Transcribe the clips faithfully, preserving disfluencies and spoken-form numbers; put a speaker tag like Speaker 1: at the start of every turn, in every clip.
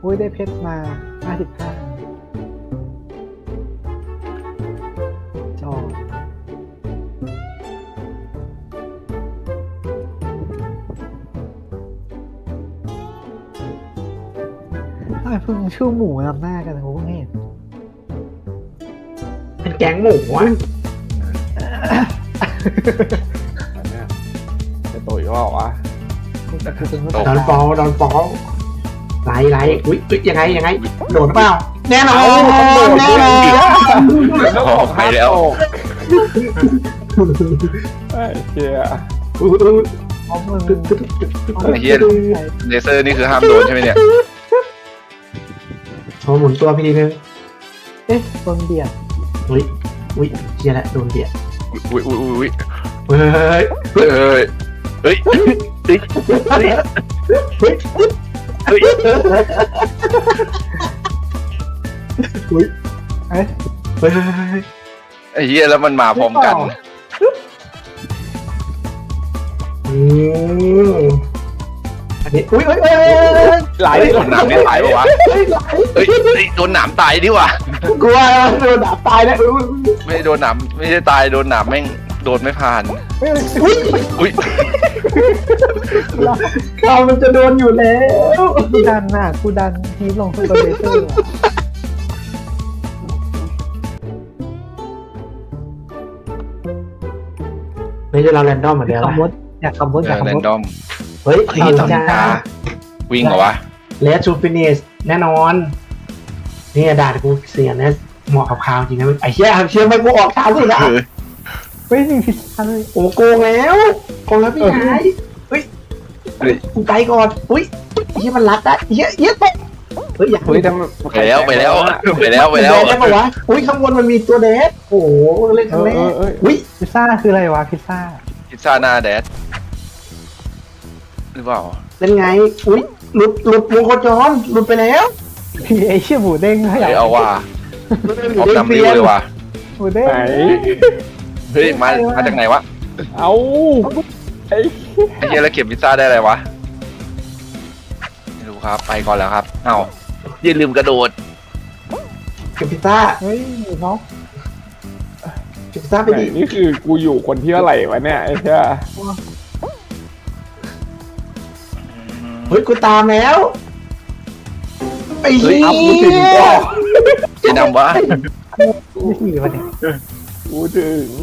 Speaker 1: อุ้ยได้เพชรมาห้าสิบห้าจอทำไมเพิ่งชื่อหมูนำหน้ากันโอ้เห็น
Speaker 2: เป็นแก๊งหมูอ่ะ
Speaker 3: อันเนี้ยจะโตอีกว่าวะ
Speaker 1: กูจะกูเป็น
Speaker 3: ตก
Speaker 2: ดอนฟอลดอนฟอลไล่ไล่อุ้ยอุ้ยยังไงยังไงโดดเปล่าแน่นอนแน่นอน
Speaker 3: ออกไปแล้วไอ้เหี้ย
Speaker 2: อุ้ยอุ้ย
Speaker 1: เอามือ
Speaker 4: ไอ้เหี้ย เลเซอร์นี่คือห้ามโดนใช่ไหมเนี่ย
Speaker 2: โชว์หมุนตัวพี่นึง
Speaker 1: เอ๊ะโดนเบียด
Speaker 2: อุ้ยอุ้ยเชียร์แหละโดนเบียด
Speaker 4: อุ้ยอุ้ยอุ้ยอุ้ย
Speaker 2: เฮ้ย
Speaker 4: เฮ้ยเฮ้ยเฮ้ยเฮ้ย
Speaker 2: เฮ้ย
Speaker 4: เฮ้ย
Speaker 2: อุ้ย
Speaker 1: เอ๊ะ
Speaker 2: เฮ้ย
Speaker 4: ไอ้เหี้ยแล้วมันมาพร้อมกัน
Speaker 2: อืมอันนี้อุ้ยอุ้ยอุ้ย
Speaker 3: ไหล
Speaker 4: เฮ้ยโดนหนามไม่ตายปะวะเฮ้ยเฮ้ยโดนหนามตายดิว่ะ
Speaker 2: กลัวโดนดาบตายแล้วอุ้ย
Speaker 4: ไม่ได้โดนหนามไม่ใช่ตายโดนหนามแม่งโดนไม่ผ่าน
Speaker 1: เฮ้ย
Speaker 2: อุ้ย
Speaker 4: อุ้ย
Speaker 2: เรามันจะโดนอยู่แล้ว
Speaker 1: กูดันน่ะกูดันทีมลงสู้กับเลเซอร์อะ
Speaker 2: ไม่ใช่เราแรนดอมเหมือนเดิม
Speaker 1: ขับรถอยากขับรถ
Speaker 4: เอ
Speaker 1: อยาก
Speaker 4: อ
Speaker 1: ขับ
Speaker 4: แร
Speaker 1: ร
Speaker 4: น
Speaker 1: ถ
Speaker 4: ดอม
Speaker 2: เฮ้ย
Speaker 4: เฮ้ยตอนนี้ตาวิ่งเหรอวะ
Speaker 2: เลสทูฟินิสแน่นอนนี่ด่ากูเสียนะเหมาะกับข่าวจริงนะไอ้เชี่ยเชี่ยไม่กูออกข่าวสุดอ่ะ
Speaker 4: เออ
Speaker 1: เฮ้ยมีพิซซ่าเลย
Speaker 2: โอ้โกงแล้วโกงแล้วพี่ชายเฮ้ย
Speaker 4: เฮ้ย
Speaker 2: กูไปก่อนอุ้ยเฮียมันรัดนะเฮียเฮียตกเฮ้ยอยาก
Speaker 3: เฮ้ยทำ
Speaker 4: ไปแล้วไปแล้วไปแล้วไปแล้ว
Speaker 2: เดได้ปะวะอุ้ยข้างบนมันมีตัวเดสโอ้โหเล่นค
Speaker 3: เอ
Speaker 2: รั้ง
Speaker 3: อ
Speaker 2: แร
Speaker 3: เอก อเออ
Speaker 2: อุ้ย
Speaker 1: พิซซ่าคืออะไรวะพิซซ่า
Speaker 4: พิซซ่าหน้าแดดหรือเปล่า
Speaker 2: เป็นไงอุ้ยหลุดหลุดวงโคจรหลุดไปแล้ว
Speaker 1: พี่ไอเชี่ยหมูเด้งขยั
Speaker 4: เฮ้
Speaker 1: บ
Speaker 4: ยเอาว่ะ
Speaker 2: หลุดไป
Speaker 4: พร้อมดำริ้วเลยว่ะ
Speaker 1: หมูเด้ง
Speaker 3: ไหน
Speaker 4: เฮ้ยมามาจากไหนวะ
Speaker 3: เอาไอ้
Speaker 4: ไอ้เหี้ยแล้วเก็บพิซซ่าได้อะไรวะไม่รู้ครับไปก่อนแล้วครับเอ้าอย่าลืมกระโดด
Speaker 2: เก็บพิซซ่า
Speaker 1: เฮ้ยน้อง
Speaker 2: เก็บพิซซ่าไป
Speaker 3: ไหน
Speaker 2: ดิ
Speaker 3: นี่คือกูอยู่คนที่เท่าไหร่วะเนี่ยไอ้เหี้ย
Speaker 2: เฮ้ยกูตามแล้วไอ้เหี้ย
Speaker 3: อัพกูถึงก็
Speaker 4: จะนำวะ
Speaker 1: นี่สี่วันเนี่ย
Speaker 3: กูถึง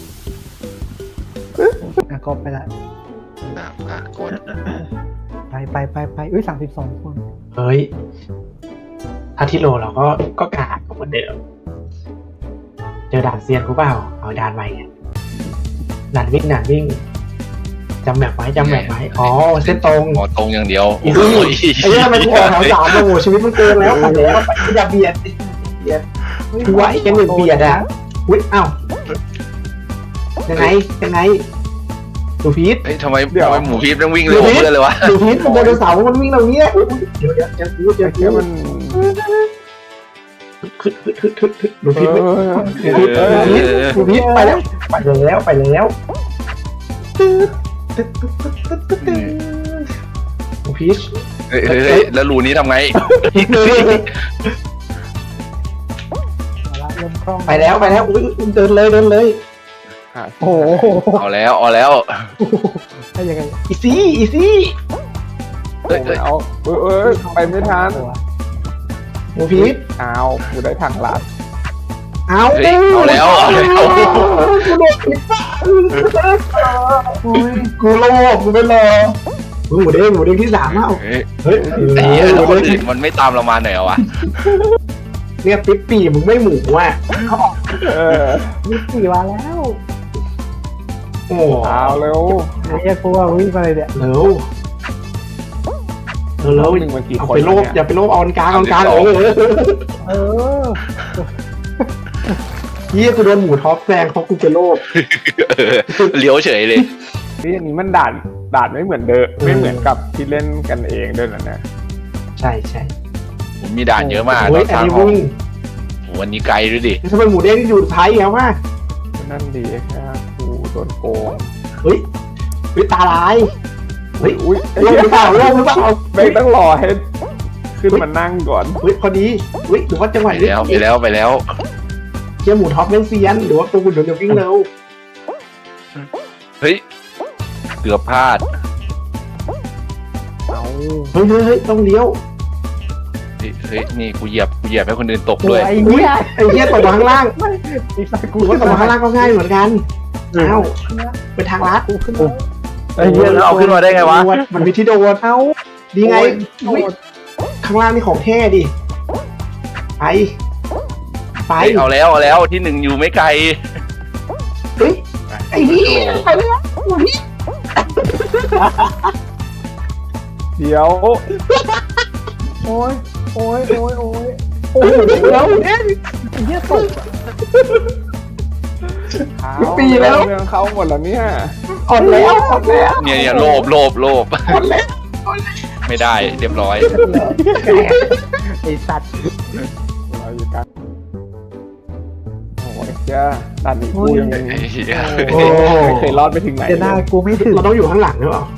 Speaker 1: อ่ะก็ไปละ
Speaker 4: อ่ะอ่ะกด
Speaker 1: ไปไปไปไปอุ้ยสามสิบสองคน
Speaker 2: เฮ้ยอาทิโลเราก็ก็กาดเหมือนเดิมเจอด่านเซียนกูเปล่าเอาด่านใหม่ไงด่านวิ่งด่านวิ่งจำแบบไว้จำแบบไว้อ๋อเส้นตรง
Speaker 4: หมอตรงอย่างเดียว
Speaker 2: อีก
Speaker 4: โอ้ย
Speaker 2: ไอ้เนี่ยทำไมกูออกแถวสามโอ้โหชีวิตมันเกินแล้วไปแล้วไปอย่าเบียดเบียด กูว่าไอ้แกหนึ่งเบียดอะ อุ้ยอ้าวยังไงยังไงดูพีท
Speaker 4: เฮ้ยทำไมทำไมหมูพีฟต้องวิ่งเร็วกว่าเพื่อนเลยวะ
Speaker 2: ดูพีทมันไดโนเสาร์มันวิ่งเราเนี้ยอุ๊ยเดี๋ยวเดี๋ยวเดี๋ยวเดี๋ยว
Speaker 3: ไอ้เหี้ยมัน
Speaker 2: ขึ้นขึ้นขึ้นขึ้นขึ้นดู
Speaker 3: เอ
Speaker 2: พีท
Speaker 3: อ
Speaker 2: ดูพีทไปแล้วไปแล้วไปแล้วดูพีท
Speaker 4: เฮ้ยเฮ้ยเฮ้ยแล้วรูนี้ทำไง
Speaker 1: มาละเริ่มคล่อง
Speaker 2: ไปแล้วไปแล้วอุ้ยเดินเลยเดินเลย
Speaker 1: โอ้โห
Speaker 4: เอาแล้วเอาแล้ว
Speaker 1: ได้ยังไง
Speaker 2: อีซี่อีซี่
Speaker 4: เฮ้ยเฮ้ย
Speaker 3: เอาเออเออไปไม่ทัน
Speaker 2: ดูพีท
Speaker 3: เอากูได้ทางลัด
Speaker 2: เอา
Speaker 4: เฮ้ยเอาแล้วเอาแล้ว
Speaker 2: กูโดนผิดป่ะ
Speaker 1: โอ้ย
Speaker 2: กูโลภกูไม่รอหมูเด้งหมูเด้งที่สามอ่ะ
Speaker 4: เฮ้ย
Speaker 2: เฮ้ย
Speaker 4: ไอ้เหี้ยแล้วคนอื่นมันไม่ตามเรามาหน่อยเหรอวะ
Speaker 2: เนี่ยปิ๊ปปี้มึงไม่หมูอ่ะ
Speaker 3: เออ
Speaker 1: ยี่สิบสี่วันแล้ว
Speaker 2: โอ้
Speaker 3: เอาเร็ว
Speaker 1: ไอ้เหี้ยกูว่าวิ่งมาเลยเนี่ย
Speaker 2: เร็วเร็วเร็ว
Speaker 3: หนึ่งมันกี่
Speaker 2: เอา
Speaker 3: คน
Speaker 2: ไปโลภ
Speaker 3: เนี่ย
Speaker 2: อย่าไปโลภเอาอันกลางเอาอันกลางเออ
Speaker 1: เออ
Speaker 2: เฮียกูโดนหมูท็อปแซงเพราะกูไปโลภ
Speaker 4: เออเลี้ยวเฉยเลย
Speaker 3: นี่อันนี้มันด่านด่านไม่เหมือนเดิมไม่เหมือนกับที่เล่นกันเองด้วยนะเนี่ย
Speaker 2: ใช่ใช่
Speaker 4: ผมมีด่านเยอะมาก
Speaker 2: โอ้
Speaker 4: ต
Speaker 2: ย
Speaker 4: อน
Speaker 2: อั
Speaker 4: ส
Speaker 2: น
Speaker 4: ร้าง
Speaker 2: นี้
Speaker 4: ห้อง
Speaker 2: วิ่ง
Speaker 4: โหวันนี้ไกลด้วยดิ
Speaker 2: ทำไมหมูเด้งอยู่ท้ายแล้ววะ
Speaker 3: นั่นดีแค่กูโดนโกง
Speaker 2: เฮ้ยเฮ้ยตาลายเฮ้ย
Speaker 3: อุ้ย
Speaker 2: โลภหรือเปล่าโลภหรือเปล่า
Speaker 3: ไม่ต้องรอให้ขึ้นมานั่งก่อน
Speaker 2: อุ้ยพอดีอุ้ยหรือว่าจังห
Speaker 4: ไป
Speaker 2: วะนี้
Speaker 4: แล้วไปแล้วไปแล้ว
Speaker 2: เชี่ยหมูท็อปเล่นเซียนหรือว่าตัวคุณเดี๋ยวจะวิ่งเร็ว
Speaker 4: เฮ้ยเกือบพลาด
Speaker 3: เอา
Speaker 2: เฮ้ยเฮ้ยเฮ้ยต้องเลี้ยว
Speaker 4: เฮ้ยเฮ้ยนี่กูเหยียบกูเหยียบให้คนอื่นตก
Speaker 1: โอ้
Speaker 4: ด้วย
Speaker 1: ยไอ้
Speaker 2: อุ้ย
Speaker 1: เหี้ย
Speaker 2: ไอ้เหี้ยตกมาข้างล่าง
Speaker 1: ไอ้สัตว์กู
Speaker 2: กูก็ตกมาข้างล่างก็ง่ายเหมือนกันอ้าวเป็นทางลัด
Speaker 1: กูขึ้นมา
Speaker 3: ไอ้เหี้ยแล้วเอาขึ้นมาได้ไงวะ
Speaker 2: มันมีที่โดน
Speaker 1: เอา
Speaker 2: ดีไง
Speaker 1: โอ้
Speaker 2: อุ้ย
Speaker 1: ย
Speaker 2: ข้างล่างนี่ของแท้ดิไปไป
Speaker 4: เฮ้ยเอาแล้วเอาแล้วที่หนึ่งอยู่ไม่ไกล
Speaker 2: เฮ้ยไอ้เหี้ยไปแล้วอุ้ย
Speaker 3: เดี๋ยว
Speaker 1: โอ้ยโอ้ยโอ้ยโอ้ยโอ้ย
Speaker 2: เดี๋ยว
Speaker 1: ไอ้เหี้ยตกอะ
Speaker 3: เอาเรื่องเขาหมดแล้วเนี่ย
Speaker 2: อ่อนแล้วอ่อนแล้ว
Speaker 4: เนี่ยเนี่ยโลภโลภโลภ
Speaker 2: อ่อนแล้ว
Speaker 4: ไม่ได้เรียบร้อย
Speaker 1: ไอ้สัตว์
Speaker 3: เราอยู่กันโอ้ยเจ้าด่านนี้กูยัง
Speaker 4: ไอ้เหี้ย
Speaker 2: โอ้
Speaker 3: ไม่เคยรอดไปถึงไหน
Speaker 1: เดี๋ยวหน้ากูไม่ถึง
Speaker 2: เราต้องอยู่ข้างหลังหรือเปล่า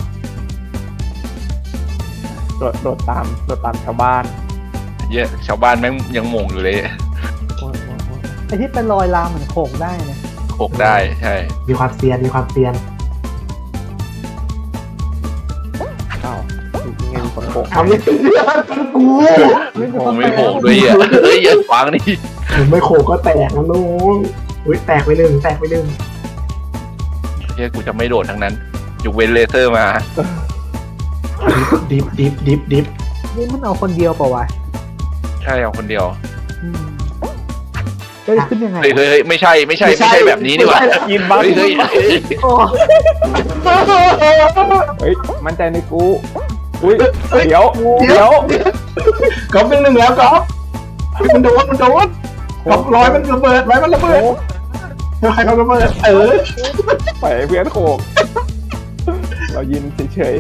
Speaker 3: โดดโดดตามโดดตามชาวบ้าน
Speaker 4: เหี้ยชาวบ้านแม่งยังงงอยู่เลย
Speaker 3: โอ้ยโอ้ยโอ้ย
Speaker 1: ไอ้ที่เป็นรอยลามเหมือนโขกได้เนี่ย
Speaker 4: โขกได้ใช่
Speaker 2: มีความเซียนมีความเซียน
Speaker 3: เอ้าถูกยังไงมีคนโกง
Speaker 2: ทำยังไงกู
Speaker 4: โอ้ไม่โขกด้วยอ่ะเฮ้ยอย่าขวางนี่
Speaker 2: ไม่โขกก็แตกนะน้องอุ้ยแตกไปหนึ่งแตกไปหนึ่ง
Speaker 4: เหี้ยกูจะไม่โดดทั้งนั้นยกเว้นเลเซอร์มา
Speaker 2: ดิฟดิฟดิฟดิฟ
Speaker 1: นี่มันเอาคนเดียวเปล่าวะ
Speaker 4: ใช่เอาคนเดียว
Speaker 1: อืมจะขึ้นยังไง
Speaker 4: เฮ้ยเฮ้ยเฮ้ยไม่ใช่ไม่ใช่ไม่ใช่แบบนี้นี่หว่า
Speaker 3: กินบ้าง
Speaker 4: เฮ้ยเฮ้ยเฮ้ย
Speaker 1: โอ้
Speaker 3: เฮ้ยมั่นใจในกูอุ้ยเดี๋ยวเดี๋ยว
Speaker 2: ก๊อฟหนึ่งหนึ่งแล้วก๊อฟมันโดนมันโดนก๊อฟร้อยมันระเบิดร้อยมันระเบิดใครเขาระเบิดเออ
Speaker 3: ปล่อยให้เพื่อนโขกเรายินเฉย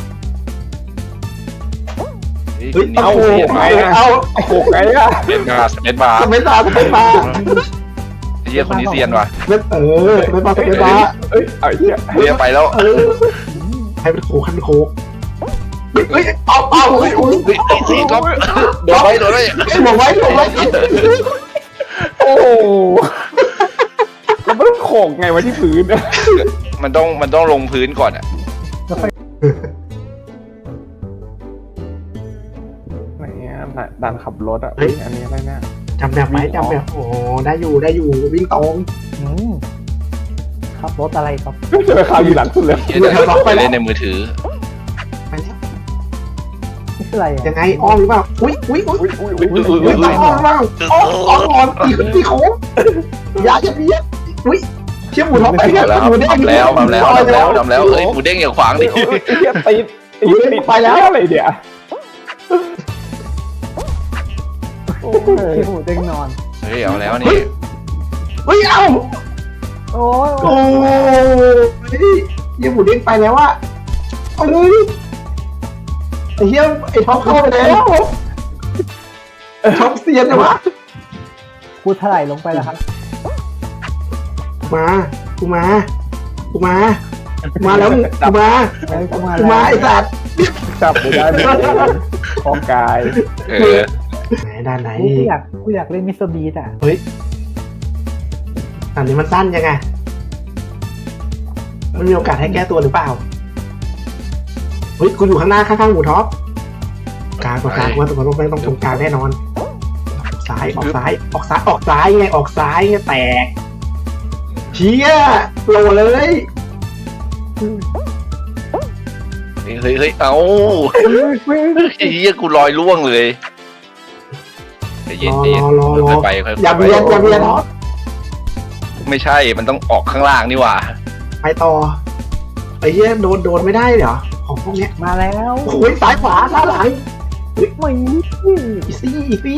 Speaker 2: เฮ้ย
Speaker 4: เอา
Speaker 2: เอา
Speaker 4: เหี้ย
Speaker 2: เอา
Speaker 3: ๆเอาโขกไงอะ
Speaker 4: เป็นบาร์สเปนบาร์
Speaker 2: สเปซบาร์สเปซบาร์
Speaker 4: เฮียคนนี้เซียนว่ะ
Speaker 2: เออสเปซบาร์สเปซบาร์
Speaker 3: เอ้ยเอาไอ้เหี้ย
Speaker 4: เฮียไปแล้ว
Speaker 2: เออให้เป็นโคกให้เป็นโคกเฮ้ยเอาเอาเฮ้ยอุ้ย
Speaker 4: เฮ้ยไอ้สี่ก็โดนไว้โดนไว้
Speaker 2: หลบไว้หลบไว้
Speaker 3: โอ้โหแล้วมันโขกไงวะที่พื้นอะ
Speaker 4: มันต้องมันต้องลงพื้นก่อนอ่ะ
Speaker 3: ไหนอะด่านขับรถอะเฮ้ยอันนี้อะไรเนี่ย
Speaker 2: จำแบบไหมจำแบบโอ้ได้อยู่ได้อยู่วิ่งตรง
Speaker 1: อืมขับรถอะไรครับ
Speaker 3: เจอข่าวอยู่หลังสุดเลย
Speaker 4: เฮียจะไปเล่นในมือถือ
Speaker 2: ไปแล้ว
Speaker 1: นี่คืออะไรอ่ะ
Speaker 2: ยังไงอ้อมหรือเปล่าอุ้ยอุ้ยอุ้ย
Speaker 3: อุ้ยอุ้ยอุ้ย
Speaker 4: อุ้ยอุ้ย
Speaker 2: อุ้ยอ้อมหรือเปล่าอ้อมอ้อมก่อนตีตีโค้งอย่าอย่าเบียดอุ้ยเชี่ยหมูท้องไป
Speaker 4: ทำแล้วทำแล้วทำแล้วทำแล้วทำแล้วเฮ้ยหมูเด้งอย่าขวางดิ
Speaker 3: ไอ้เหี้ยติดติดติดไปแล้วอะไรเดี๋ยวโอ้ย
Speaker 1: ที่หูเด้งนอน
Speaker 4: เฮ้ยเอาแล้วนี่
Speaker 2: เฮ้ยเอ้า
Speaker 1: โอ้ย
Speaker 2: โอ้ยเฮียหมูเด้งไปแล้วอะเอาเลยไอ้เฮียไอ้ท็อปเข้าไปแล้วท็อปเซียนเลยวะ
Speaker 1: กูถลายลงไปแล้วครับ
Speaker 2: มากูมากูมามาแล้วกูมา
Speaker 1: ไอ้กูมา
Speaker 2: กูมาไอ้สัตว์
Speaker 3: จับไม่ได้ไม่ได้ของกาย
Speaker 4: เออ
Speaker 2: ไหนด้านไหน
Speaker 1: กูอยากกูอยากเล่นมิสเตอร์บีทอ่ะ
Speaker 2: เฮ้ยอันนี้มันสั้นยังไงมันมีโอกาสให้แก้ตัวหรือเปล่าเฮ้ยกูอยู่ข้างหน้าข้างๆหมูท็อปกลางตรงกลางว่าตรงต้องไปต้องตรงกลางแน่นอนซ้ายออกซ้ายออกซ้ายออกซ้ายไงออกซ้ายไงแตกเชี่ยโหลเลย
Speaker 4: เฮ้ยเฮ้ยเฮ้ยเอาไอ้เหี้ยกูลอยล่วงเลยใจ
Speaker 2: ร
Speaker 4: เย็น
Speaker 2: อ
Speaker 4: ใจเย็น
Speaker 2: รอรอรอ
Speaker 4: ค่อยไปค่อยๆ
Speaker 2: อย่าเบียดอย่าเบียดท็อป
Speaker 4: ไม่ใช่มันต้องออกข้างล่างนี่หว่า
Speaker 2: ไปต่อไอ้เหี้ยโดนโดนไม่ได้เหรอของพวกเนี้ย
Speaker 1: มาแล้ว
Speaker 2: โอ้ยซ้ายขวาซ้ายหลัง
Speaker 1: ไม่
Speaker 2: อีซี่อีซี่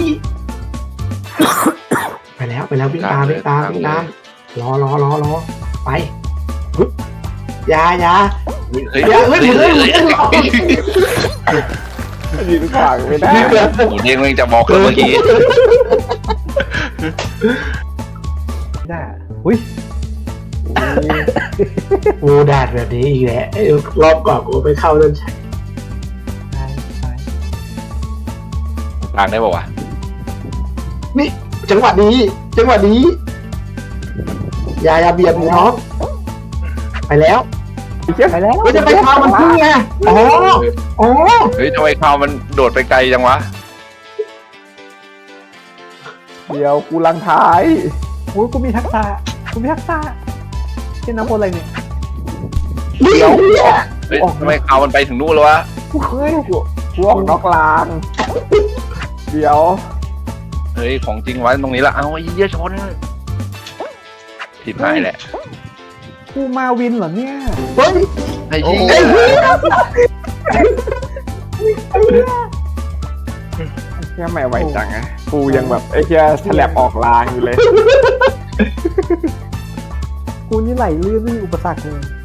Speaker 2: ไปแล้วไปแล้ววิ่งตามวิ่งตามวิ่งตามรอรอรอรอไปปึ๊บอยาอยา
Speaker 4: เฮ้ย
Speaker 2: อย่าเฮ้
Speaker 4: เฮ้
Speaker 2: ย
Speaker 4: ย
Speaker 2: เฮ้
Speaker 4: เฮ้
Speaker 2: ย
Speaker 4: ย
Speaker 2: เฮ้ย
Speaker 3: ยืนขวางไม่ได้
Speaker 4: หมูเด้งแม่งจะบอกเลยเมื่อกี้
Speaker 1: ได้อุ้ย
Speaker 2: โอ้แดดแบบนี้อีกแล้วไอ้รอบก่อนกูไปเข้าเดินชัย
Speaker 1: ตายตาย
Speaker 4: กลางได้ป่าวะ
Speaker 2: นี่จังหวะนี้จังหวะนี้อย่าอย่าเบียดหมูน้องไปแล้ว
Speaker 1: ไปแล้ว
Speaker 2: ก็จะไปพามันพึ่งไงอ๋ออ๋อ
Speaker 4: เฮ้ยทำไมข่าวมันโดดไปไกลจังวะ
Speaker 3: เดี๋ยวกูลังท้าย
Speaker 1: โอ้ยกูมีทักษะกูมีทักษะเป็นน้ำวนอะไรเนี่ย
Speaker 2: เดี๋ยวเนี่ย
Speaker 4: เฮ้ยทำไมข่าวมันไปถึงนู่นแล้ววะ
Speaker 1: เฮ้ย
Speaker 3: กูออกนอกราง เดี๋ยว
Speaker 4: เฮ้ยของจริงไว้ตรงนี้ละเอาไอ้เหี้ยชนผิดหายแหละ
Speaker 1: กูมาวินเหรอเนี่ย
Speaker 2: เฮ้ย
Speaker 4: ไอ้เหี้ย
Speaker 3: แค่ไม่ไหวจังอะกูยังแบบไอ้แค่ฉลับออกรางอยู่เลย
Speaker 1: กูนี่ไหลลื่นไม่มีอุปสรรคเลย